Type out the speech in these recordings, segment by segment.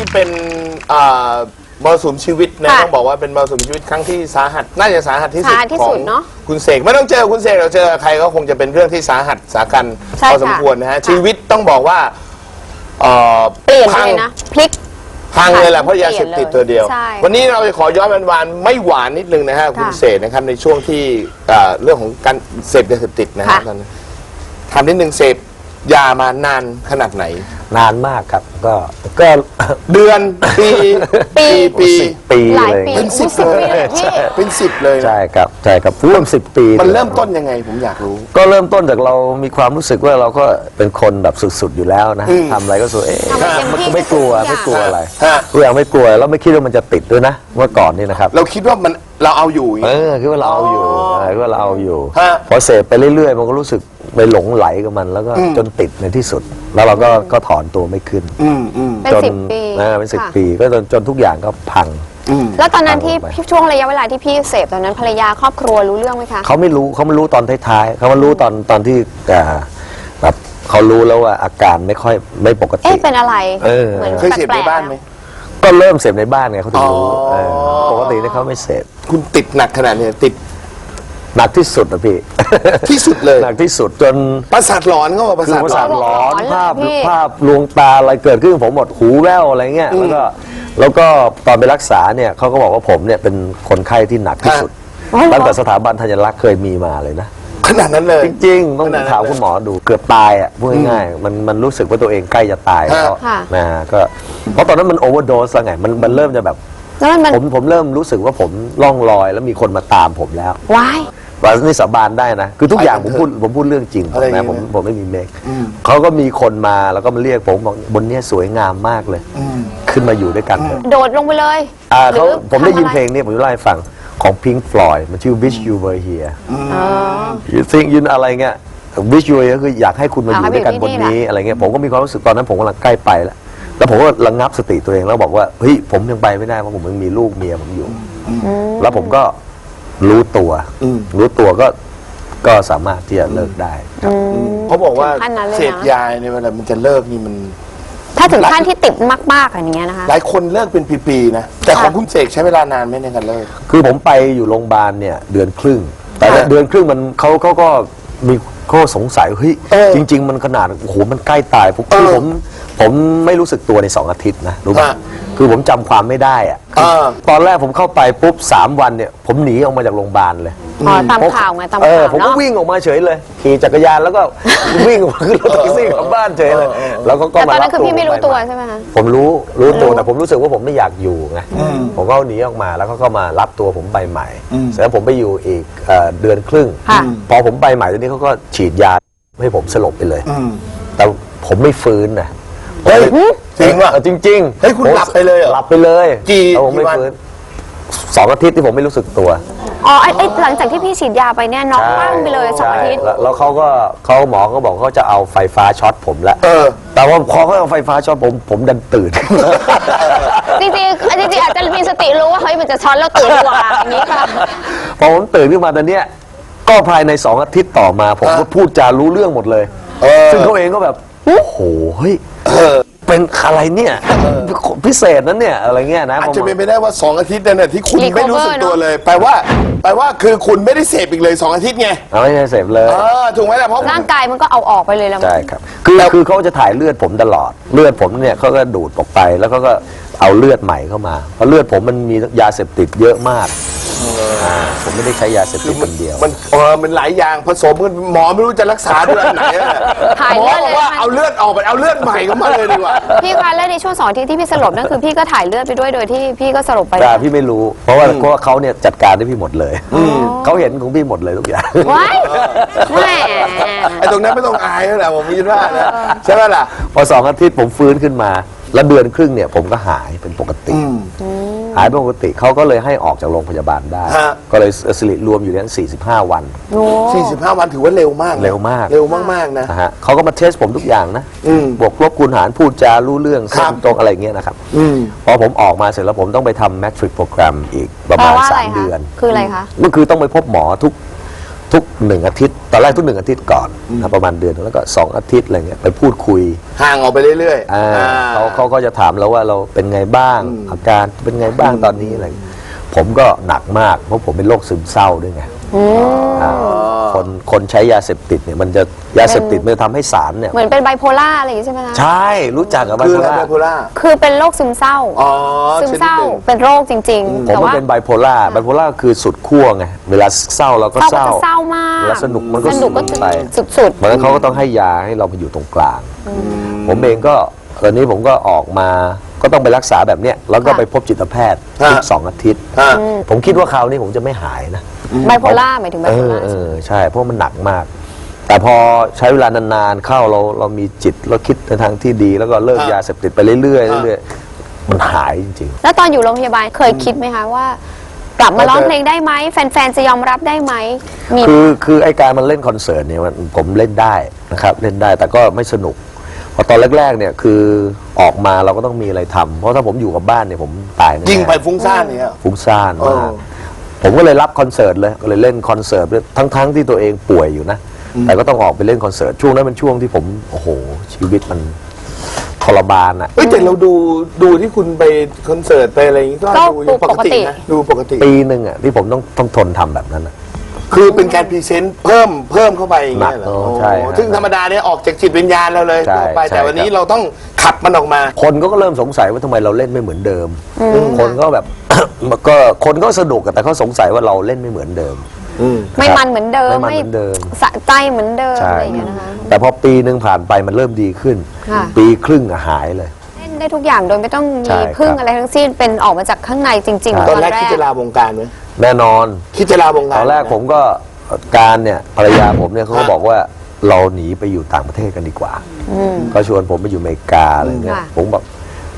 เป็นมรสุมชีวิตนะต้องบอกว่าเป็นมรสุมชีวิตครั้งที่สาหัสน่าจะสาหัสที่สุดของคุณเสกไม่ต้องเจอคุณเสกเราเจอใครก็คงจะเป็นเรื่องที่สาหัสสากันพอสมควรนะฮะชีวิตต้องบอกว่าเปลี่ยนเลยนะพลิกพังเลยแหละเพราะยาเสพติดตัวเดียววันนี้เราจะขอย้อนหวานไม่หวานนิดนึงนะฮะคุณเสกนะครับในช่วงที่เรื่องของการเสพยาเสพติดนะฮะทำนิดนึงเสพยามานานขนาดไหนนานมากครับก็เดือนปีเลยเป็น10เลยเป็น10เลยใช่ครับใช่ครับร่วม10 ปีมันเริ่มต้นยังไงผมอยากรู้ก็เริ่มต้นจากเรามีความรู้สึกว่าเราก็เป็นคนแบบสุดๆอยู่แล้วนะทำอะไรก็สุดมันก็ไม่กลัวอะไรทุกอย่างไม่กลัวแล้วไม่คิดว่ามันจะติดด้วยนะเมื่อก่อนนี่นะครับเราคิดว่ามันเราเอาอยู่คิดว่าเราเอาอยู่คิดว่าเราเอาอยู่พอเสพไปเรื่อยๆมันก็รู้สึกไปหลงไหลกับมันแล้วก็จนติดในที่สุดแล้วเราก็ถอนตัวไม่ขึ้นเป็น10 ปีเป็น10 ปีก็จนทุกอย่างก็พังแล้วตอนนั้นที่ช่วงระยะเวลาที่พี่เสพตอนนั้นภรรยาครอบครัวรู้เรื่องไหมคะเขาไม่รู้ตอนท้ายๆเขามารู้ตอนที่แบบเขารู้แล้วว่าอาการไม่ปกติเป็นอะไรเหมือนเคยเสพในบ้านไหมก็เริ่มเสพในบ้านไงเขาถึงรู้ปกติเนี่ยเขาไม่เสพคุณติดหนักขนาดนี้ติดหนักที่สุดนะพี่ที่สุดเลยหนักที่สุดจนประสาทหลอนเขาบอกประสาทหลอนภาพลวงตาอะไรเกิดขึ้นผมหมดหูแว่วอะไรเงี้ยแล้วก็ตอนไปรักษาเนี่ยเขาก็บอกว่าผมเนี่ยเป็นคนไข้ที่หนักที่สุดตั้งแต่สถาบันธัญรักษ์เคยมีมาเลยนะขนาดนั้นเลยจริงๆต้องถามคุณหมอดูเกือบตายอ่ะพูดง่ายๆมันรู้สึกว่าตัวเองใกล้จะตายแล้วนะก็เพราะตอนนั้นมันโอเวอร์โดสแล้วไงมันเริ่มจะแบบผมเริ่มรู้สึกว่าผมล่องลอยแล้วมีคนมาตามผมแล้วว้ายว่านี่สาบานได้นะคือทุกอย่างผมพูดเรื่องจริงนะผมไม่มีเมคเขาก็มีคนมาแล้วก็มาเรียกผมบอกบนนี้สวยงามมากเลยขึ้นมาอยู่ด้วยกันโดดลงไปเลยผมได้ยินเพลงนี้ผมจะเล่าให้ฟังของ Pink Floyd มันชื่อ Wish You Were Here You think ยืนอะไรเงี้ย Wish You Were Here คืออยากให้คุณมาอยู่ด้วยกันบนนี้อะไรเงี้ยผมก็มีความรู้สึกตอนนั้นผมกำลังใกล้ไปแล้วผมก็ระงับสติตัวเองแล้วบอกว่าเฮ้ยผมยังไปไม่ได้เพราะผมยังมีลูกเมียผมอยู่แล้วผมก็รู้ตัวก็สามารถที่จะเลิกได้เขาบอกว่าเสพยาในเวลามันจะเลิกนี่มันถ้าถึงขั้นที่ติดมากๆอย่างเงี้ยนะคะหลายคนเลิกเป็นปีๆนะแต่ของคุณเสกใช้เวลานานไหมในการเลิกคือผมไปอยู่โรงพยาบาลเนี่ยเดือนครึ่งแต่เดือนครึ่งมันเขาก็มีข้อสงสัยเฮ้ยจริงๆมันขนาดโอ้โหมันใกล้ตายผมไม่รู้สึกตัวใน2 อาทิตย์นะรู้ไหมคือผมจำความไม่ได้อะตอนแรกผมเข้าไปปุ๊บ3 วันเนี่ยผมหนีออกมาจากโรงพยาบาลเลยตามข่าวไงตามข่าวผมก็วิ่งออกมาเฉยเลยขี่จักรยานแล้วก็วิ่งออกมาขึ้นรถแท็กซี่กลับบ้านเฉยเลยแล้วก็มารับตัวตอนนั้นคือพี่ไม่รู้ตัวใช่ไหมคะผมรู้ตัวแต่ผมรู้สึกว่าผมไม่อยากอยู่ไงผมก็หนีออกมาแล้วก็มารับตัวผมไปใหม่เสร็จแล้วผมไปอยู่อีกเดือนครึ่งพอผมไปใหม่ตอนนี้เขาก็ฉีดยาให้ผมสลบไปเลยแต่ผมไม่ฟื้นนะจริงว่ะจริงเฮ้ยคุณหลับไปเลยหลับไปเลยกี่วัน2 อาทิตย์ที่ผมไม่รู้สึกตัวหลังจากที่พี่ฉีดยาไปเนี่ยน็อกบ้างไปเลย2 อาทิตย์แล้วหมอก็บอกเขาจะเอาไฟฟ้าช็อตผมแล้วแต่ว่าพอเขาเอาไฟฟ้าช็อตผมดันตื่นจริงอาจจะมีสติรู้ว่าเฮ้ยมันจะช็อตแล้วตื่นกว่าอย่างนี้ค่ะพอผมตื่นขึ้นมาตอนเนี้ยก็ภายใน2 อาทิตย์ต่อมาผมก็พูดจารู้เรื่องหมดเลยซึ่งเขาเองก็แบบโอ้โหเฮ้ยเป็นอะไรเนี่ยพิเศษนั้นเนี่ยอะไรเงี้ยนะอาจจะเป็นไปได้ว่า2 อาทิตย์เนี่ยที่คุณไม่รู้สึกตัวเลยแปลว่าคือคุณไม่ได้เสพอีกเลย2 อาทิตย์ไงไม่ได้เสพเลยถูกไหมล่ะเพราะร่างกายมันก็เอาออกไปเลยแล้วใช่ครับคือเขาจะถ่ายเลือดผมตลอดเลือดผมเนี่ยเขาก็ดูดออกไปแล้วเขาก็เอาเลือดใหม่เข้ามาเพราะเลือดผมมันมียาเสพติดเยอะมากผมไม่ได้ใช้ยาเสพติดคนเดียวมันหลายอย่างผสมกันหมอไม่รู้จะรักษาด้วยอันไหนหมอบอกว่าเอาเลือดออกไปเอาเลือดใหม่เข้ามาเลยดีกว่าพี่คะแล้วในช่วง2 อาทิตย์ที่พี่สลบนั่นคือพี่ก็ถ่ายเลือดไปด้วยโดยที่พี่ก็สลบไปพี่ไม่รู้เพราะว่าเขาเนี่ยจัดการให้พี่หมดเลยเขาเห็นของพี่หมดเลยทุกอย่างว้ายแหมไอ้ตรงนั้นไม่ต้องอายแล้วแหละผมคิดว่าใช่ไหมล่ะพอ2 อาทิตย์ผมฟื้นขึ้นมาแล้วเดือนครึ่งเนี่ยผมก็หายเป็นปกติหายเป็นปกติเขาก็เลยให้ออกจากโรงพยาบาลได้ก็เลยสิริรวมอยู่นั้น45 วัน 45 วันถือว่าเร็วมากเร็วมากนะเขาก็มาเทสผมทุกอย่างนะบวกลบคูณหารพูดจารู้เรื่องเส้นตรงอะไรเงี้ยนะครับพอผมออกมาเสร็จแล้วผมต้องไปทำแมทริกโปรแกรมอีกประมาณ3 เดือนคืออะไรคะก็คือต้องไปพบหมอทุก1 อาทิตย์ตอนแรกทุก1 อาทิตย์ก่อนนะประมาณเดือนแล้วก็2 อาทิตย์อะไรเงี้ยไปพูดคุยห่างออกไปเรื่อยๆเขาก็จะถามเราว่าเราเป็นไงบ้างอาการเป็นไงบ้างตอนนี้อะไรผมก็หนักมากเพราะผมเป็นโรคซึมเศร้าด้วยไงคนใช้ยาเสพติดเนี่ยมันจะยาเสพติดมันจะทำให้สารเนี่ยเหมือนเป็นไบโพล่าอะไรอย่างงี้ใช่ไหมคะใช่รู้จักกับไบคือโพอะไรล่าไบโพล่าคือเป็นโรคซึมเศร้าอ๋อซึมเศร้าชนิดหนึ่งเป็นโรคจริงๆผมแต่ก็ว่าเป็นไบโพล่าคือสุดขั้วไงเวลาเศร้าเราก็เศร้าเศก็ร้าจะเศร้ามากเวลาสนุกมันก็สนุกก็สนุกไปสุดเพราะฉะนั้นเขาก็ต้องให้ยาให้เราไปอยู่ตรงกลาง ผมเองก็ตอนนี้ผมก็ออกมาก็ต้องไปรักษาแบบเนี้ยแล้วก็ไปพบจิตแพทย์ทุก2 อาทิตย์ ผมคิดว่าคราวนี้ผมจะไม่หายนะไบโพล่าหมายถึงไบโพล่าใช่เพราะมันหนักมาก แต่พอใช้เวลานานๆเข้าเรามีจิตเราคิดในทางที่ดี แล้วก็เลิกยาเสพติดไปเรื่อยๆเรื่อยๆมันหายจริงแล้วตอนอยู่โรงพยาบาลเคยคิดไหมคะว่า กลับมาร้องเพลงได้ไหมแฟนๆจะยอมรับได้ไหมมีๆคือไอการมันเล่นคอนเสิร์ตเนี่ยผมเล่นได้นะครับเล่นได้แต่ก็ไม่สนุกพอตอนแรกๆเนี่ยคือออกมาเราก็ต้องมีอะไรทำเพราะถ้าผมอยู่กับบ้านเนี่ยผมตายแน่ยิงไปฟุ้งซ่านเนี่ยฟุ้งซ่านมากผมก็เลยรับคอนเสิร์ตเลยก็เลยเล่นคอนเสิร์ตด้วยทั้งที่ตัวเองป่วยอยู่นะแต่ก็ต้องออกไปเล่นคอนเสิร์ตช่วงนั้นเป็นช่วงที่ผมโอ้โหชีวิตมันทรมานอ่ะเอ้ยแต่เราดูที่คุณไปคอนเสิร์ตไปอะไรอย่างงี้ก็ดูยังปกตินะดูปกติปีหนึ่งอ่ะที่ผมต้องทนทำแบบนั้นอ่ะคือเป็นการพรีเซนต์เพิ่มเข้าไปอย่างเงี้ยเหรอหนักใช่ฮะซึ่งธรรมดาเนี่ยออกจากจิตวิญญาณเราเลยใช่ทั่วไปใช่แต่วันนี้ครับเราต้องขับมันออกมาคนก็เริ่มสงสัยว่าทำไมเราเล่นไม่เหมือนเดิม คนก็แบบ ก็คนก็สนุกอะแต่เขาสงสัยว่าเราเล่นไม่เหมือนเดิมไม่มันเหมือนเดิมไม่มันเหมือนเดิมสะใจเหมือนเดิมใช่อะไรอย่างเงี้ยนะคะแต่พอปีหนึ่งผ่านไปมันเริ่มดีขึ้นค่ะปีครึ่งอะหายเลยเล่นได้ทุกอย่างโดยไม่ต้องใช่มีครับพึ่งอะไรทั้งสิ้นเป็นออกมาจากข้างในจริง ๆตอนแรกคิดจะลาวงการไหมแน่นอนคิดจะลาวงตการอนแรกผมก็การเนี่ยภรรยาผมเนี่ยเขาก็บอกว่าเราหนีไปอยู่ต่างประเทศกันดีกว่าก็ชวนผมไปอยู่อเมริกาอะไรเงี้ยค่ะผมบอก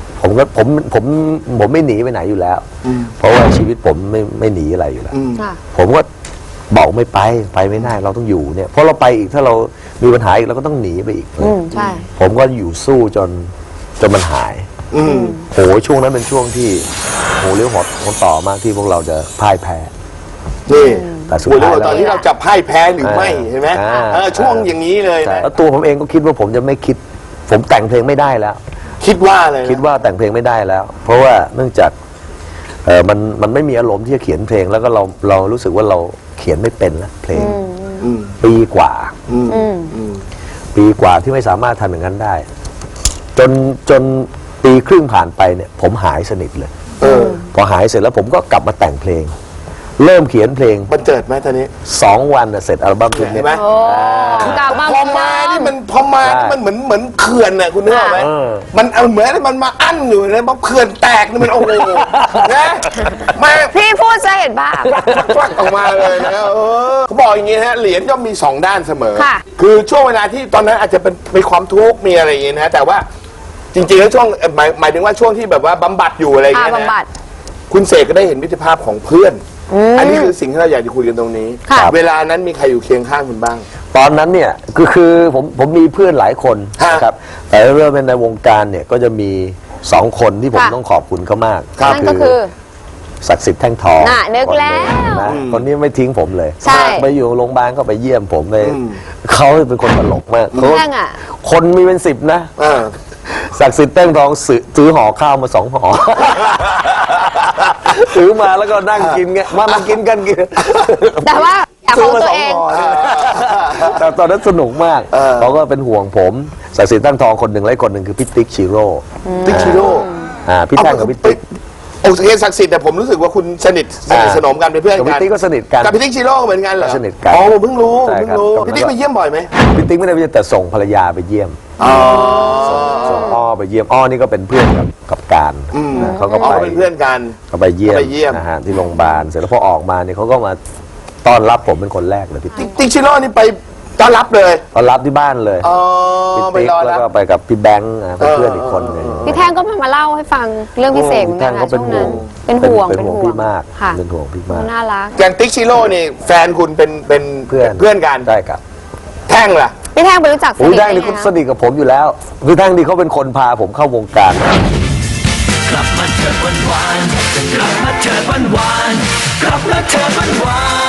ผมไม่หนีไปไหนอยู่แล้ว เพราะว่าชีวิตผมไม่หนีอะไรอยู่แล้วค่ะผมก็บอกไม่ไปไม่ได้เราต้องอยู่เนี่ยเพราะเราไปอีกถ้าเรามีปัญหาอีกเราก็ต้องหนีไปอีกใช่ผมก็อยู่สู้จนมันหายโหช่วงนั้นเป็นช่วงที่โหเลี้ยวหัวต่อมากที่พวกเราจะพ่ายแพ้นี่แต่สุดโอ้ยท้ายตอนที่เราจับไพ่แพ้หรือไม่เห็นไหมช่วงอย่างนี้เลยใช่นะแล้วตัวผมเองก็คิดว่าผมจะไม่คิด ผมแต่งเพลงไม่ได้แล้วคิดว่าเลยนะคิดว่าแต่งเพลงไม่ได้แล้ว เพราะว่าเนื่องจากมันไม่มีอารมณ์ที่จะเขียนเพลงแล้วก็เรารู้สึกว่าเราเขียนไม่เป็นแล้วเพลงปีกว่าปีกว่าที่ไม่สามารถทำอย่างนั้นได้ จนปีครึ่งผ่านไปเนี่ย ผมหายสนิทเลยพอหายเสร็จแล้วผมก็กลับมาแต่งเพลง เริ่มเขียนเพลงมันเจิดไหมตอนนี้ 2 วันน่ะเสร็จอัลบั้มชุดเห็นี้นไหมโอ้กลับมาพอมานี่มันพอมานี่มันเหมือนเขื่อนน่ะคุณนึกออกไหมเออมันเอาเหมือนมันมาอั้นอยู่เลยพอเขื่อนแตกนี่มันโอ้โหนะมาพี่พูดจะเห็นบ้างควักออกมาเลยนะเขาบอกอย่างงี้นะฮะเหรียญย่อมมี2 ด้านเสมอค่ะคือช่วงเวลาที่ตอนนั้นอาจจะเป็นมีความทุกข์มีอะไรอย่างงี้นะแต่ว่าจริงๆแล้วช่วงหมายถึงว่าช่วงที่แบบว่าบำบัดอยู่อะไรอย่างเงี้ยบำบันะดคุณเสกก็ได้เห็นมิตรภาพของเพื่อน อันนี้คือสิ่งที่เราอยากจะคุยกันตรงนี้ค่ะเวลานั้นมีใครอยู่เคียงข้างคุณบ้างตอนนั้นเนี่ยคือผมมีเพื่อนหลายคนฮะนะครับแต่เริ่มเป็นในวงการเนี่ยก็จะมี2 คนที่ผมค่ะต้องขอบคุณเขามากนั่นก็คือศักดิ์สิทธิ์แท่งทองน่ะนึกแล้วนะคนนี้ไม่ทิ้งผมเลยใช่ไปอยู่โรงพยาบาลก็ไปเยี่ยมผมไปเขาเป็นคนตลกมากเขาแท่งอ่ะคนมีเป็น10นะอ่าศักดิ์สิทธิ์แท่งทองซื้อห่อข้าวมา2 ห่อ ซื้อมาแล้วก็นั่งกินไงมากินกันกินแต่ว่าอยากซื้ขอองมาตัว 2 เองห่อแต่ตอนนั้นสนุกมากเขาก็เป็นห่วงผมศักดิ์สิทธิ์แท่งทองคนหนึ่งและอีกคนหนึ่งคือพี่ติ๊กชิโร่ติ๊กชิโร่พี่แท่งกับพี่ติ๊กโอเคศักดิ์สิทธิ์แต่ผมรู้สึกว่าคุณสนิทสนมกันเป็นเพื่อนกับกัพี่นติ๊กก็สนิทกันกับพี่ติ๊กชิโร่เหมือนกันเหรอสนิทกันอ๋อผมเพิ่งรู้ใช่เพิ่งครับรู้ครับพี่ติ๊กไปเยี่ยมบ่อยไหมพี่ติ๊กไม่ได้ไปเยี่ยมแต่ส่งภรรยาไปเยี่ยมอ๋อส่งอ้อไปเยี่ยมอ้อนี่ก็เป็นเพื่อนกับการนะเขาก็อ๋อไปเป็นเพื่อนกันเขาไปเยี่ยมไปเยี่ยมนะฮะที่โรงพยาบาลเสร็จแล้วพอออกมาเนี่ยเขาก็มาต้อนรับผมเป็นคนแรกเลยพี่ติ๊กติ๊กชิโร่นี่ไปต้อนรับเลยต้อนรับที่บ้านเลยอ๋อพี่ไปติ๊กรอแล้รัวบก็ไปกับพี่แบงค์นะเป็นเพื่อนอีกคนหนึงพี่แท่งก็มาเล่าให้ฟังเรื่องพี่เสกเหมือนแท่กันงก็นะเป็นช่วงห่วนั้นงเป็นห่วงพี่มากค่ะเป็นห่วงพี่มากน่ารักอย่างติ๊กชิโร่นี่แฟนคุณเป็นเพื่อนเพื่อนกันได้ครับแท่งล่ะพี่แท่งไปรู้จักสโอ้ยนิทแท่ได้งไงนี่เขาคะสนิทกับผมอยู่แล้วพี่แท่งนี่เขาเป็นคนพาผมเข้าวงการกลับมาเถิดวันวานกลับมาเถิดวันวานกลับมาเถิดวันวาน